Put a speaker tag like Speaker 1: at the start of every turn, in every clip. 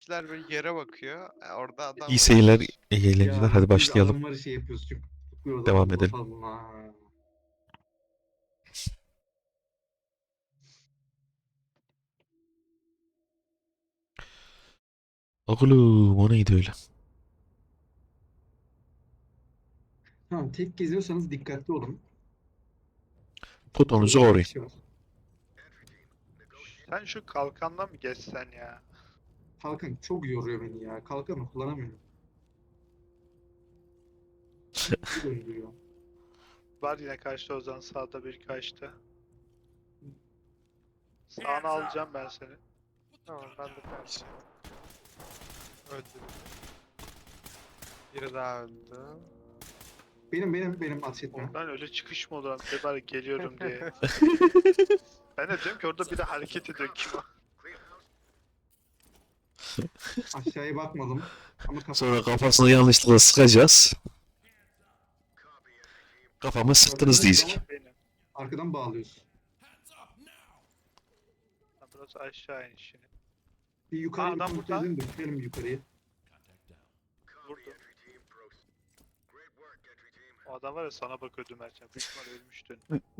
Speaker 1: bizimkiler böyle yere bakıyor. Orada adam
Speaker 2: İyi
Speaker 1: var.
Speaker 2: seyirler, iyi eğlenceler.
Speaker 3: Ya
Speaker 2: Hadi
Speaker 3: biz
Speaker 2: başlayalım.
Speaker 3: adamları şey yapıyoruz çünkü tutuyoruz
Speaker 2: Devam
Speaker 3: adamı
Speaker 2: edelim.
Speaker 3: basalım ha.
Speaker 2: Oğlum o neydi öyle?
Speaker 3: Tamam tek geziyorsanız dikkatli olun.
Speaker 2: Potonuzu
Speaker 3: Burada iki
Speaker 2: koruyun.
Speaker 3: kişi var.
Speaker 4: Sen şu kalkandan mı geçsen ya?
Speaker 3: Kalkan çok yoruyor beni ya. Kalkanı kullanamıyorum. Bir döndürüyor.
Speaker 4: Var yine karşıda Ozan sağda bir kaçta. Sağını alacağım ben seni.
Speaker 1: Tamam ben de karşı. Öldü. Biri daha öldü.
Speaker 3: Benim ateş etme.
Speaker 4: Oradan öyle çıkış mı olur? De bari geliyorum diye. Ben de diyorum ki orada bir de hareket ediyor kim o?
Speaker 3: Aşağıya bakmadım. Ama
Speaker 2: Sonra kafasını yanlışlıkla sıkacağız. Kafamı sıktınız diyecek.
Speaker 4: Benim.
Speaker 3: arkadan bağlıyoruz.
Speaker 4: Ha, burası aşağı inişini.
Speaker 3: Bir yukarıyı
Speaker 4: Adam
Speaker 3: kontrol
Speaker 4: burada.
Speaker 3: edelim de bitirelim yukarıyı.
Speaker 4: Vurdu. O adam var ya sana bakıyordu Mertcan. Büyük ihtimal ölmüştün.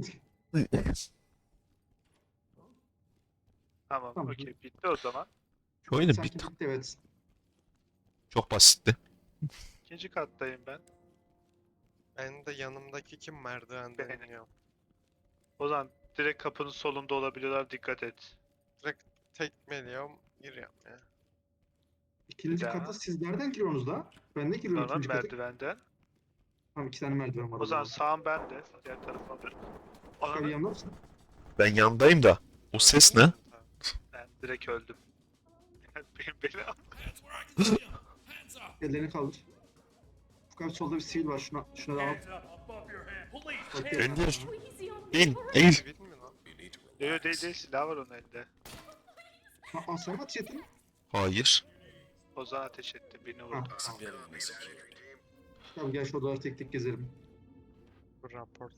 Speaker 4: Tamam,
Speaker 3: Tamam.
Speaker 4: okey. Bitti o zaman.
Speaker 2: Oyunun
Speaker 3: Sanki
Speaker 2: bitti.
Speaker 3: bitti evet.
Speaker 2: Çok basitti.
Speaker 4: İkinci kattayım ben.
Speaker 1: Ben de yanımdaki kim merdivenden
Speaker 4: Benim.
Speaker 1: iniyor.
Speaker 4: O zaman direkt kapının solunda olabiliyorlar. Dikkat et.
Speaker 1: Direkt tekmeliyorum. Giriyorum ya.
Speaker 3: İkinci
Speaker 4: Bir daha.
Speaker 3: kata siz nereden giriyorsunuz da? Ben de giriyorum
Speaker 4: Normal
Speaker 3: ikinci kata.
Speaker 4: merdivenden.
Speaker 3: Tamam 2 tane merdiven var.
Speaker 4: O zaman sağım bende. Diğer tarafa alırım.
Speaker 3: Yukarı
Speaker 4: Ananı
Speaker 3: yanında mısın?
Speaker 2: Ben yandayım da. O ses ne?
Speaker 4: ben direkt öldüm. Beni al.
Speaker 3: Ellerini kaldır. Fukat solda bir sivil var. Şuna da al. Okey.
Speaker 2: Gönder.
Speaker 5: Easy on
Speaker 2: İn,
Speaker 5: me.
Speaker 2: eğil.
Speaker 1: Sivil mi lan?
Speaker 4: Yok değil silah var onun elinde.
Speaker 3: Ha, sen mi ateş ettin?
Speaker 2: Hayır.
Speaker 4: Ozan ateş etti birini
Speaker 3: Ha,
Speaker 4: vurdu.
Speaker 3: tamam. Tamam gel şu odaları tek tek gezelim.
Speaker 1: Bu raporta.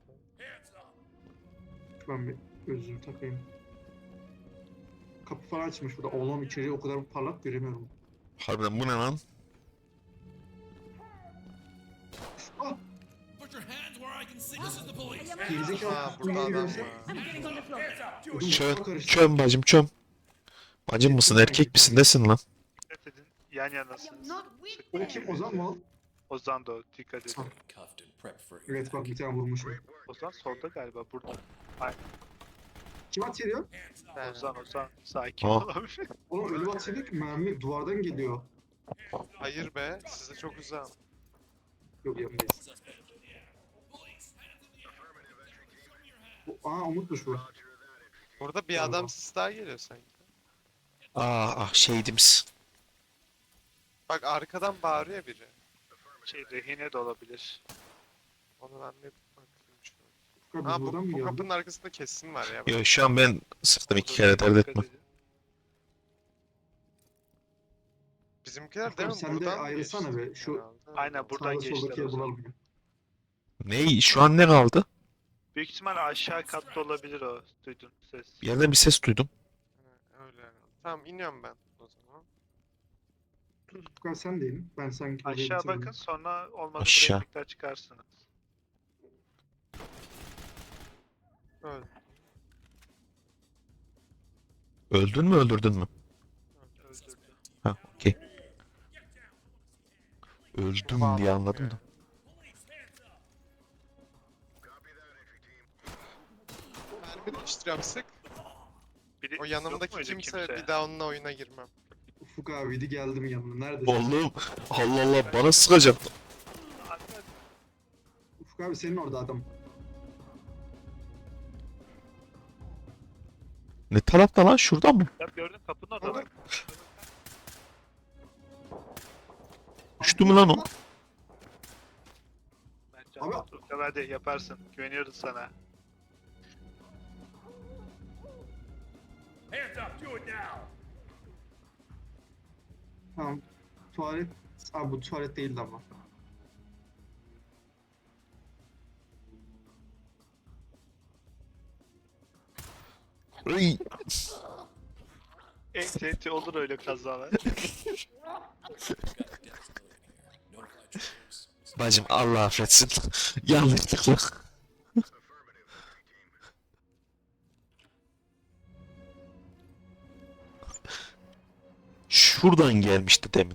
Speaker 3: Ben bir gözlüğümü takayım. Kapı falan açmış burada. Oğlum içeriği o kadar parlak göremiyorum.
Speaker 2: Harbiden bu ne lan?
Speaker 3: Ah!
Speaker 6: Put your hands where I can see. This is the police.
Speaker 3: Gerizekalı
Speaker 1: Ha
Speaker 3: kapıyı
Speaker 1: burada
Speaker 3: yeni
Speaker 1: adam
Speaker 3: görse.
Speaker 1: var.
Speaker 5: I'm getting on the floor.
Speaker 3: Ödüm
Speaker 2: Çöm,
Speaker 3: kafa karıştı.
Speaker 2: çöm bacım çöm. Bacım mısın, erkek misin, nesin lan?
Speaker 4: Dikkat edin. Yan
Speaker 5: I am
Speaker 4: yanasınız.
Speaker 5: not with
Speaker 3: O
Speaker 5: them.
Speaker 3: kim Ozan mı o?
Speaker 4: Ozan da o. Dikkat edin.
Speaker 6: Cuffed and prepped for
Speaker 3: Evet bak bir tane vurmuşum.
Speaker 4: Ozan solda galiba burada.
Speaker 3: Kim at ediyor?
Speaker 1: Ben.
Speaker 4: Ozan sakin
Speaker 2: Aa.
Speaker 4: ol abi.
Speaker 3: Oğlum öyle at ediyor ki mermi duvardan geliyor.
Speaker 1: Hayır be. Size çok uzağım.
Speaker 3: Yok yanındayız. Umutmuş bu.
Speaker 1: Burada bir
Speaker 3: Galiba.
Speaker 1: adam sis daha geliyor sanki.
Speaker 2: Şehidimiz.
Speaker 1: Bak arkadan bağırıyor biri.
Speaker 4: Rehine de olabilir.
Speaker 1: Onu ben bir bakayım şuna.
Speaker 3: Fukat
Speaker 1: Ha
Speaker 3: biz buradan
Speaker 1: bu
Speaker 3: mı geldik?
Speaker 1: kapının arkasında kesin var ya.
Speaker 2: Yo, şu an ben sıktım 2 kere,
Speaker 4: Dikkat
Speaker 2: dert etme.
Speaker 4: edin.
Speaker 1: Bizimkiler değil mi?
Speaker 3: Sen de
Speaker 1: Buradan mı
Speaker 3: ayrılsana
Speaker 1: geçti
Speaker 3: be, şu-
Speaker 1: herhalde?
Speaker 4: Aynen buradan
Speaker 3: Sağda soldaki
Speaker 4: geçtiler
Speaker 3: yeri
Speaker 4: o zaman.
Speaker 3: bulalım.
Speaker 2: Ne? Şu an ne kaldı?
Speaker 4: Büyük ihtimal aşağı katta olabilir o. Duydun ses.
Speaker 2: Bir yerden bir ses duydum.
Speaker 1: Ha, öyle herhalde. Tamam iniyorum ben o zaman.
Speaker 3: Fukat sen de in. Ben sanki orayı
Speaker 4: Aşağı
Speaker 3: bitirdim.
Speaker 4: bakın sonra olmadı
Speaker 2: Aşağı.
Speaker 4: buraya tekrar çıkarsınız.
Speaker 1: Öyle.
Speaker 2: Öldün mü, öldürdün mü?
Speaker 4: Öldürdü.
Speaker 2: Ha, okey. Öldüm diye anladım da.
Speaker 1: Mermi değiştiriyorum sık.
Speaker 4: Biri,
Speaker 1: O
Speaker 4: yok
Speaker 1: yanımdaki
Speaker 4: muydu
Speaker 1: kimse bir daha onunla oyuna girmem.
Speaker 3: Ufuk abiydi geldim yanına. Neredesin?
Speaker 2: Oğlum Allah Allah, bana sıkacak.
Speaker 4: Hadi.
Speaker 3: Ufuk abi senin orada adam.
Speaker 2: Ne tarafta lan, şurada mı?
Speaker 4: Ya gördün kapının orada bak.
Speaker 2: Düştü mü lan o?
Speaker 4: Mertcan,
Speaker 3: Abi-
Speaker 4: otur. Hadi yaparsın. Güveniyoruz sana.
Speaker 6: Hands up. Do it now.
Speaker 3: Tamam. Tuvalet. Abi bu tuvalet değildi ama.
Speaker 2: Iy.
Speaker 4: Enti olur öyle kazalar.
Speaker 2: Bacım Allah affetsin. Yanlışlıkla. Şuradan gelmişti demin.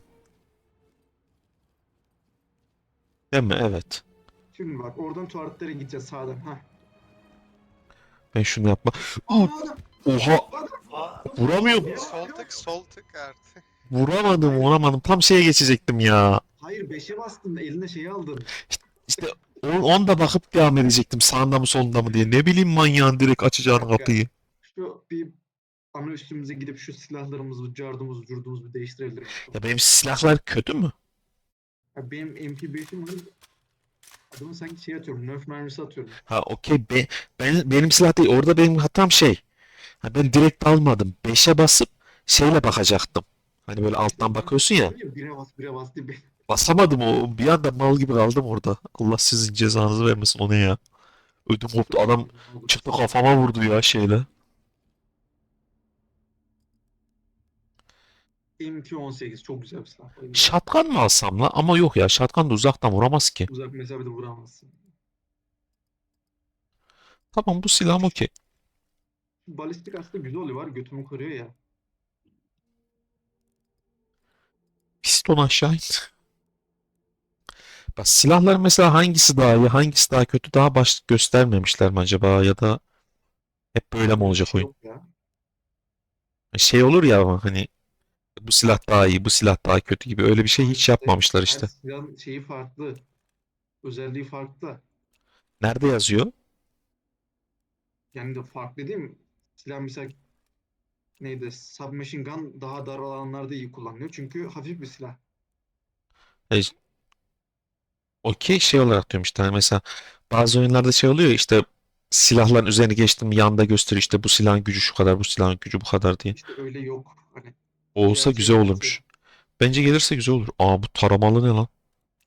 Speaker 2: Değil mi? Evet.
Speaker 3: Şimdi bak oradan tuvaletlere gideceğiz sağdan. Ha.
Speaker 2: Ben şunu yapma. Aa, oha!
Speaker 4: Aa,
Speaker 2: Vuramıyorum.
Speaker 1: Sol tık artık.
Speaker 2: Vuramadım. Tam şeye geçecektim ya.
Speaker 3: Hayır 5'e bastın da eline şeyi aldın.
Speaker 2: İşte onda bakıp devam edecektim. Sağında mı solunda mı diye. Ne bileyim manyağın direkt açacağını kapıyı.
Speaker 3: Şu bir ana üstümüze gidip şu silahlarımızı, cardımızı, curdumuzu bir değiştirelim.
Speaker 2: Ya benim silahlar kötü mü?
Speaker 3: Ya benim MP5'im var. Adamı sanki şey atıyorum, Nerf mermisi atıyorum.
Speaker 2: Ha okey. Benim silah değil. Orada benim hatam şey. Ha, ben direkt almadım. 5'e basıp şeyle bakacaktım. Hani böyle alttan bakıyorsun ya.
Speaker 3: Bire bas diye bir...
Speaker 2: Basamadım o. Bir anda mal gibi kaldım orada. Allah sizin cezanızı vermesin o ne ya. Ödüm koptu. Adam çıktı kafama vurdu ya şeyle.
Speaker 3: MP18 çok güzel bir silah.
Speaker 2: Shotgun mı alsam la? Ama yok ya. Shotgun da uzaktan vuramaz ki.
Speaker 3: Uzak mesafede vuramazsın.
Speaker 2: Tamam bu silahım okey.
Speaker 3: Balistik aslında güzel oluyor var. Götümü koruyor ya.
Speaker 2: Piston aşağı in. Bak silahlar mesela hangisi daha iyi, hangisi daha kötü daha baş göstermemişler mi acaba ya da hep böyle mi olacak oyun?
Speaker 3: Yok ya.
Speaker 2: Şey olur ya ama hani bu silah daha iyi, bu silah daha kötü gibi öyle bir şey hiç yapmamışlar
Speaker 3: Her
Speaker 2: işte.
Speaker 3: silahın şeyi farklı. Özelliği farklı.
Speaker 2: Nerede yazıyor?
Speaker 3: Yani de farklı değil mi? Silah mesela neydi? Submachine gun daha dar alanlarda iyi kullanılıyor. Çünkü hafif bir silah.
Speaker 2: E, okey şey olarak diyorum işte hani mesela bazı oyunlarda şey oluyor ya işte silahların üzerine geçtim yanda gösteriyor işte bu silahın gücü şu kadar, bu silahın gücü bu kadar diye.
Speaker 3: İşte öyle yok. Hani
Speaker 2: Olsa
Speaker 3: diğer
Speaker 2: güzel
Speaker 3: şeyler
Speaker 2: olurmuş. Bence gelirse güzel olur. Aa bu taramalı ne lan?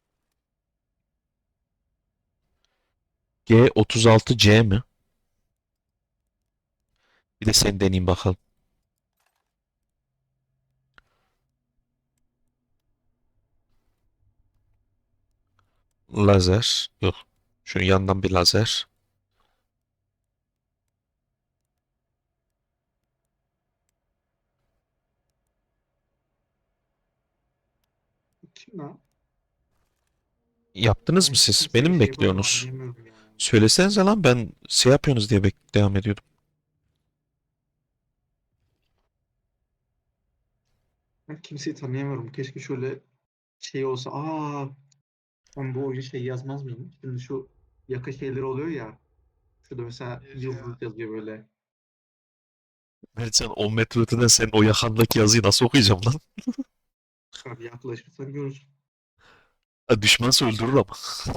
Speaker 2: G36C mi? Bir de sen deneyeyim bakalım. Lazer. Yok. Şunun yandan bir lazer.
Speaker 3: kim lan?
Speaker 2: Yaptınız
Speaker 3: Ben
Speaker 2: mı siz?
Speaker 3: kimseye
Speaker 2: Beni mi
Speaker 3: şey yapamıyorum,
Speaker 2: bekliyorsunuz?
Speaker 3: anlayamıyorum ya.
Speaker 2: Söylesenize lan ben şey yapıyorsunuz diye devam ediyordum.
Speaker 3: Ben kimseyi tanıyamıyorum. Keşke şöyle şey olsa. Ben bu oyun şey yazmaz mıyım? Şimdi şu yaka şeyleri oluyor ya. Şurada mesela
Speaker 1: Yazıyor.
Speaker 3: yıldız yazıyor böyle.
Speaker 2: Mertcan 10 metre öteden senin o yakandaki yazıyı nasıl okuyacağım lan?
Speaker 3: Abi yaklaşırsan görürsün.
Speaker 2: Ha, düşmansa öldürür ama.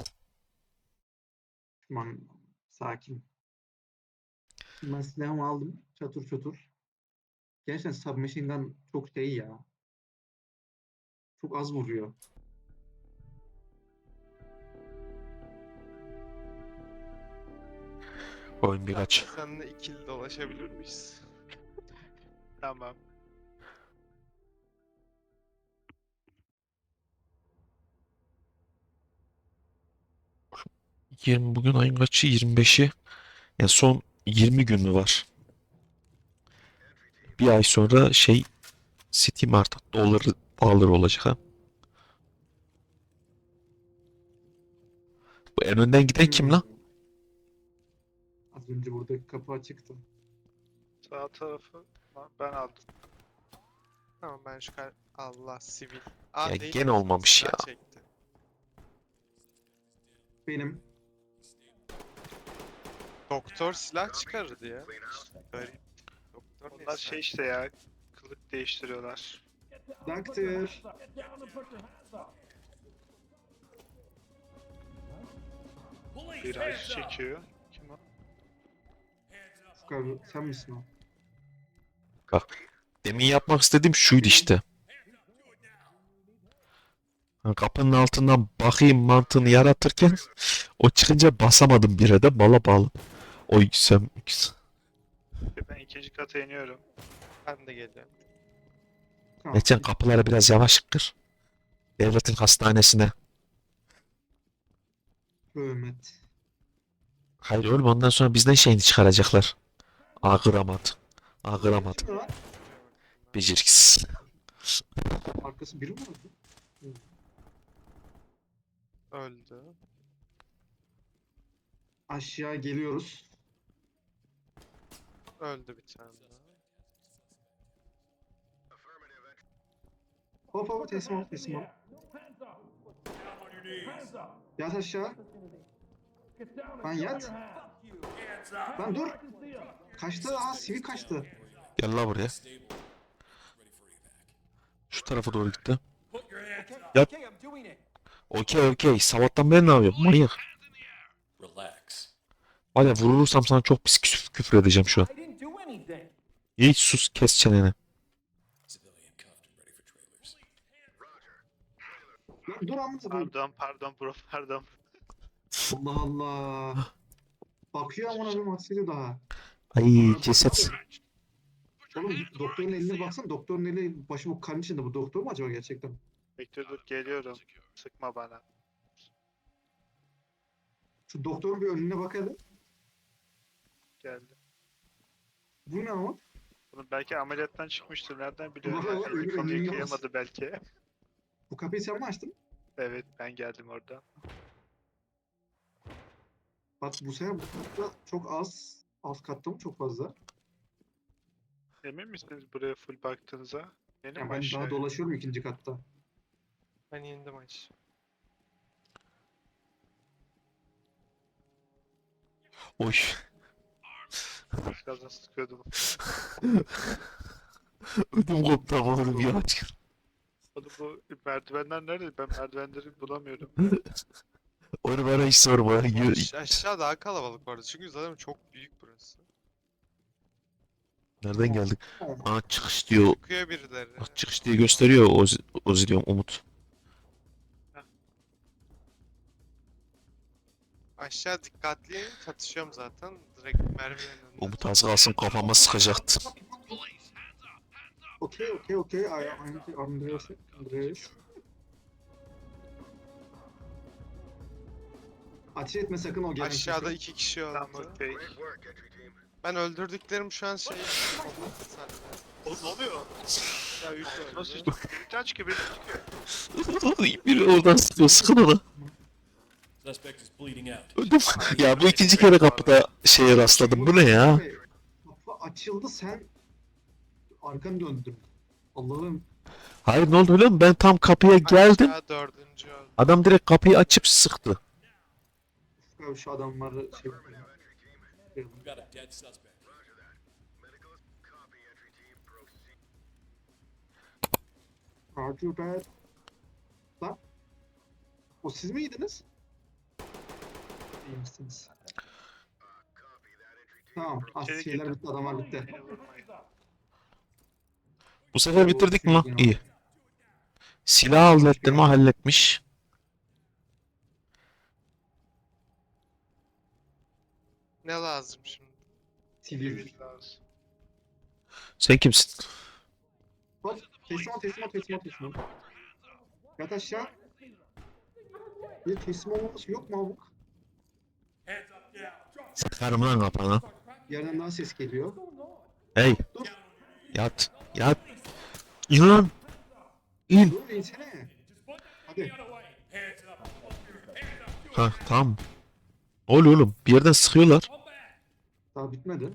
Speaker 3: Aman sakin. Ben silahımı aldım. Çatır çatır. Gerçekten submachine gun çok şey ya. Çok az vuruyor.
Speaker 2: Oyun birkaç.
Speaker 1: Seninle ikili dolaşabilir miyiz?
Speaker 4: tamam.
Speaker 2: Bugün ayın kaçı? 25'i. Yani son 20 gün mü var? Bir ay sonra şey Steam artık doları pahalı olacak ha. Bu en önden giden kim lan?
Speaker 3: Az önce burada kapı açıktı.
Speaker 4: Sağ tarafı ben aldım.
Speaker 1: Tamam ben şu Allah sivil.
Speaker 2: Ya
Speaker 1: Değil
Speaker 2: gene
Speaker 1: mi?
Speaker 2: olmamış
Speaker 1: Silah
Speaker 2: ya.
Speaker 1: çekti.
Speaker 3: Benim
Speaker 1: Doktor silah çıkarırdı ya. Garip. Doktor ne
Speaker 4: Onlar
Speaker 1: silah?
Speaker 4: şey işte ya. Kılık değiştiriyorlar.
Speaker 3: Doctor.
Speaker 6: Police,
Speaker 4: Bir ay
Speaker 6: hands up.
Speaker 4: çekiyor. Kim o?
Speaker 3: Ufuk abi sen misin o?
Speaker 2: Demin yapmak istediğim şuydu işte. Ha, kapının altından bakayım mantığını yaratırken o çıkınca basamadım bire de bala bağlı. Oy sen
Speaker 4: Ben ikinci kata iniyorum.
Speaker 1: Ben de geliyorum.
Speaker 3: Tamam.
Speaker 2: Geçen kapıları biraz yavaş kır. Devletin hastanesine.
Speaker 3: Hürmet.
Speaker 2: Hayır oğlum ondan sonra bizden şeyini çıkaracaklar. Ağıramadı. Ağıramadı.
Speaker 3: Şimdi lan.
Speaker 2: Beceriksiz.
Speaker 3: Arkası biri mi vardı?
Speaker 1: Öldü.
Speaker 3: Aşağı geliyoruz.
Speaker 1: Öldü bir tane daha.
Speaker 3: Hop hop teslim ol teslim ol. Yat aşağı. Lan yat. Lan dur. Kaçtı. Aa sivil kaçtı.
Speaker 2: Gel la buraya. Şu tarafa doğru gitti.
Speaker 6: Put your hands up.
Speaker 2: Yat.
Speaker 5: Okay, I'm doing it.
Speaker 2: Okey. Sabahtan beri ne yapıyorum? Manyak.
Speaker 6: Relax.
Speaker 2: Var ya vurursam sana çok pis küfür edeceğim şu an.
Speaker 5: I didn't do anything.
Speaker 2: Hiç sus kes çeneni.
Speaker 6: Civilian cuffed and ready for trailers.
Speaker 3: Lan dur amına koyayım.
Speaker 4: Pardon bro pardon.
Speaker 3: Allah Allah. Bakıyor amına koyayım aksediyor daha.
Speaker 2: Ay ceset.
Speaker 3: Oğlum doktorun eline baksana. Doktorun eli başı bu kan içinde. Bu doktor mu acaba gerçekten?
Speaker 4: Bekle dur geliyorum. Sıkma bana.
Speaker 3: Şu doktorun bir önüne bakalım.
Speaker 4: Geldi.
Speaker 3: Bu ne ama?
Speaker 4: Bunu belki ameliyattan çıkmıştır. Nereden biliyorum?
Speaker 3: Ulan,
Speaker 4: Belki
Speaker 3: ölü
Speaker 4: kolu
Speaker 3: önüne
Speaker 4: yıkayamadı belki.
Speaker 3: Bu kapıyı sen mi açtın?
Speaker 4: Evet ben geldim orada.
Speaker 3: Bak bu sefer bu katta çok az. Alt katta mı çok fazla?
Speaker 4: Emin misiniz buraya full baktığınıza? Benim
Speaker 3: Yani ben
Speaker 4: aşağı.
Speaker 3: daha dolaşıyorum ikinci katta.
Speaker 1: Ben indim aç.
Speaker 2: Oy.
Speaker 4: Birazdan sıkıyordum.
Speaker 2: Ödüm koptu ama oğlum ya.
Speaker 4: Oğlum bu merdivenler nerede? Ben merdivenleri bulamıyorum.
Speaker 2: Onu bana hiç sorma.
Speaker 1: Aşağı daha kalabalık vardı çünkü zaten çok büyük burası.
Speaker 2: Nereden geldik? Aa çıkış diyor.
Speaker 1: Çıkıyor birileri.
Speaker 2: Bak çıkış diye gösteriyor Ozi diyorum Umut.
Speaker 1: Aşağı dikkatli in, çatışıyorum zaten. Direkt mermilerin önünde.
Speaker 2: Umut az kalsın kafama sıkacaktı.
Speaker 3: Okey. Andreas. Ateş etme sakın o gelen
Speaker 1: Aşağıda
Speaker 3: sesi.
Speaker 1: 2 kişi
Speaker 4: Tamam
Speaker 1: öldü.
Speaker 4: okey.
Speaker 1: Ben öldürdüklerim şu an şey...
Speaker 4: Oğlum ne oluyor?
Speaker 1: Ya 3
Speaker 4: Nasıl
Speaker 1: öldü.
Speaker 4: işte? Birden çıkıyor birden çıkıyor.
Speaker 2: Biri oradan sıkıyor sıkın ona.
Speaker 6: Suspect is bleeding out.
Speaker 2: Ödüm. Ya bu ikinci kere kapıda şeye rastladım. Bu ne ya?
Speaker 3: Kapı açıldı sen arkanı döndün. Allah'ım.
Speaker 2: Hayır ne oldu biliyor musun? Ben tam kapıya geldim.
Speaker 1: Aşağı 4. öldü.
Speaker 2: Adam direkt kapıyı açıp sıktı.
Speaker 3: Ya şu adamları şey...
Speaker 6: We've got a dead suspect.
Speaker 3: Roger that. Lan. O siz miydiniz? İyi misiniz? Tamam.
Speaker 4: İçeri
Speaker 3: Şeyler
Speaker 4: girdim.
Speaker 3: bitti. Adamlar bitti.
Speaker 4: Beni vurmayın.
Speaker 2: Bu sefer bitirdik mi lan? İyi. Silah hallettin mi? Halletmiş.
Speaker 1: Ne lazım şimdi?
Speaker 3: Sivil.
Speaker 4: Sivil lazım.
Speaker 2: Sen kimsin?
Speaker 3: Hop. Teslim ol. Yat aşağı. Bir teslim olmaması yok mu abuk?
Speaker 6: Hands up now. Drop
Speaker 2: Sıkarım lan kafana.
Speaker 3: Yerden daha ses geliyor.
Speaker 2: Hey.
Speaker 3: Dur.
Speaker 2: Yat. İn lan. İn.
Speaker 3: Dur insene. Hadi.
Speaker 6: the other way. Hands up.
Speaker 2: Ha tamam. Ne oluyor oğlum? Bir yerden sıkıyorlar.
Speaker 6: Come back.
Speaker 3: Daha bitmedi.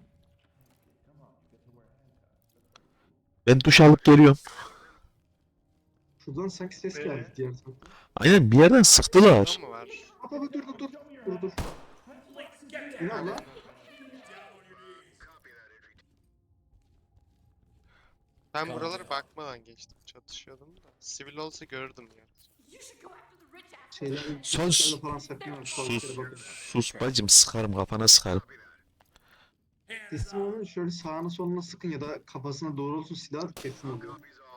Speaker 2: Ben duş alıp geliyorum.
Speaker 3: Şuradan sanki ses geldi diğer taraftan.
Speaker 2: Aynen bir yerden sıktılar.
Speaker 1: Şurada mı var?
Speaker 3: Hop hop dur. Ne lan?
Speaker 1: Ben buralara bakmadan geçtim. Çatışıyordum da. Sivil olsa görürdüm ya.
Speaker 3: Şeyler,
Speaker 2: Sus.
Speaker 3: seslerle falan saklanıyor.
Speaker 2: Sus.
Speaker 3: Bakın.
Speaker 2: Sus bacım sıkarım kafana sıkarım.
Speaker 3: Teslim olun şöyle sağına soluna sıkın ya da kafasına doğrultun silah teslim oluyor.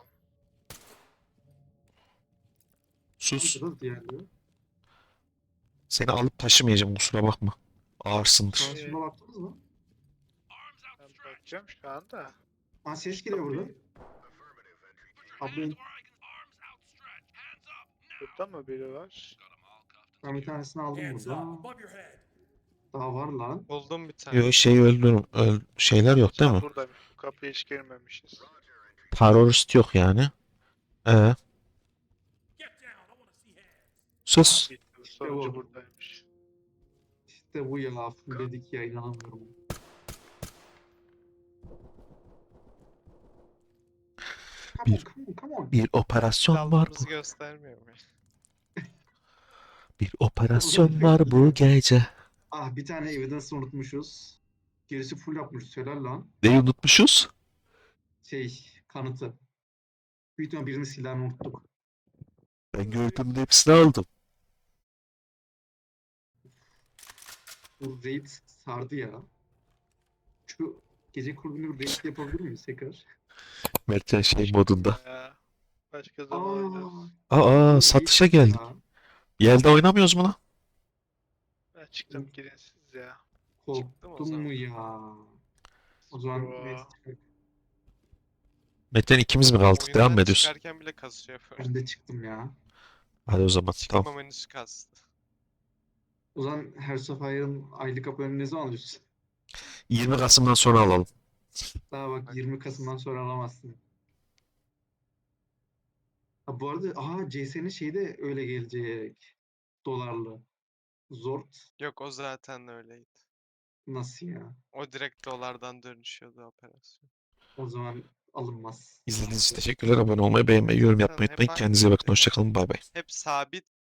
Speaker 2: Sus.
Speaker 3: Burada diğerleri.
Speaker 2: Seni alıp taşımayacağım kusura bakma. Ağırsındır.
Speaker 3: Sağa sola baktınız mı?
Speaker 4: Ben bakacağım şu anda.
Speaker 3: Aa ses geliyor buradan. Abi
Speaker 4: Burada mı biri var?
Speaker 3: ben bir tanesini aldım
Speaker 6: Hands up
Speaker 3: burada.
Speaker 6: above your head.
Speaker 3: Daha var lan.
Speaker 1: Buldum bir tane.
Speaker 2: Yo şey öldürüm. Şeyler yok değil
Speaker 4: Sen
Speaker 2: mi?
Speaker 4: buradaymış. Bu kapıya hiç girmemişiz.
Speaker 2: Terörist yok yani.
Speaker 6: Get down. I want to see hands.
Speaker 2: Sus.
Speaker 4: Bitti. Sonucu
Speaker 3: bu.
Speaker 4: buradaymış.
Speaker 3: İşte bu ya. Fullledik ya, inanamıyorum. Come on,
Speaker 2: Bir-
Speaker 3: come on, come on.
Speaker 2: Bir operasyon var
Speaker 1: Aldığımızı
Speaker 2: bu.
Speaker 1: göstermiyor mu?
Speaker 2: Bir operasyon var bu gece.
Speaker 3: Ah, bir tane evidence unutmuşuz. Gerisi full yapmışız. Helal lan.
Speaker 2: Neyi unutmuşuz?
Speaker 3: Kanıtı. Büyük ihtimalle birinin silahını unuttuk.
Speaker 2: Ben gördüğümün hepsini aldım.
Speaker 3: Bu raid sardı ya. Şu gece kulübünü raid yapabilir miyiz tekrar?
Speaker 2: Mertcan şey modunda.
Speaker 4: Ya. Başka zaman oynarız.
Speaker 2: Aa
Speaker 3: bu
Speaker 2: satışa
Speaker 3: raid
Speaker 2: geldik.
Speaker 3: ya.
Speaker 2: Yelde oynamıyoruz mu lan?
Speaker 4: Ben çıktım girin siz ya.
Speaker 1: Çıktım o
Speaker 3: Korktum
Speaker 1: zaman.
Speaker 3: mu ya? O zaman
Speaker 4: Yo.
Speaker 3: neyse, çıkar.
Speaker 2: Mertcan ikimiz mi kaldık? Devam mı
Speaker 1: Oyundan
Speaker 2: ediyorsun?
Speaker 1: çıkarken bile kasıyor böyle.
Speaker 3: Ben de çıktım ya.
Speaker 2: Hadi o zaman. Tamam.
Speaker 1: Çıkma menüsü kastı.
Speaker 3: O zaman her seferin aylık aboneliğini ne zaman alıyorsun?
Speaker 2: 20 Kasım'dan sonra alalım.
Speaker 3: Daha bak 20 Kasım'dan sonra alamazsın. Ha, bu arada CS'nin şeyi de öyle gelecek. Dolarlı. Zord
Speaker 1: Yok o zaten öyleydi.
Speaker 3: nasıl ya?
Speaker 1: O direkt dolardan dönüşüyordu operasyon.
Speaker 3: O zaman alınmaz.
Speaker 2: İzlediğiniz için teşekkürler. Abone olmayı, beğenmeyi, yorum yapmayı
Speaker 1: Hep
Speaker 2: unutmayın.
Speaker 1: aynı
Speaker 2: Kendinize iyi bakın.
Speaker 1: oluyor.
Speaker 2: Hoşçakalın. Bay bay.
Speaker 1: Hep sabit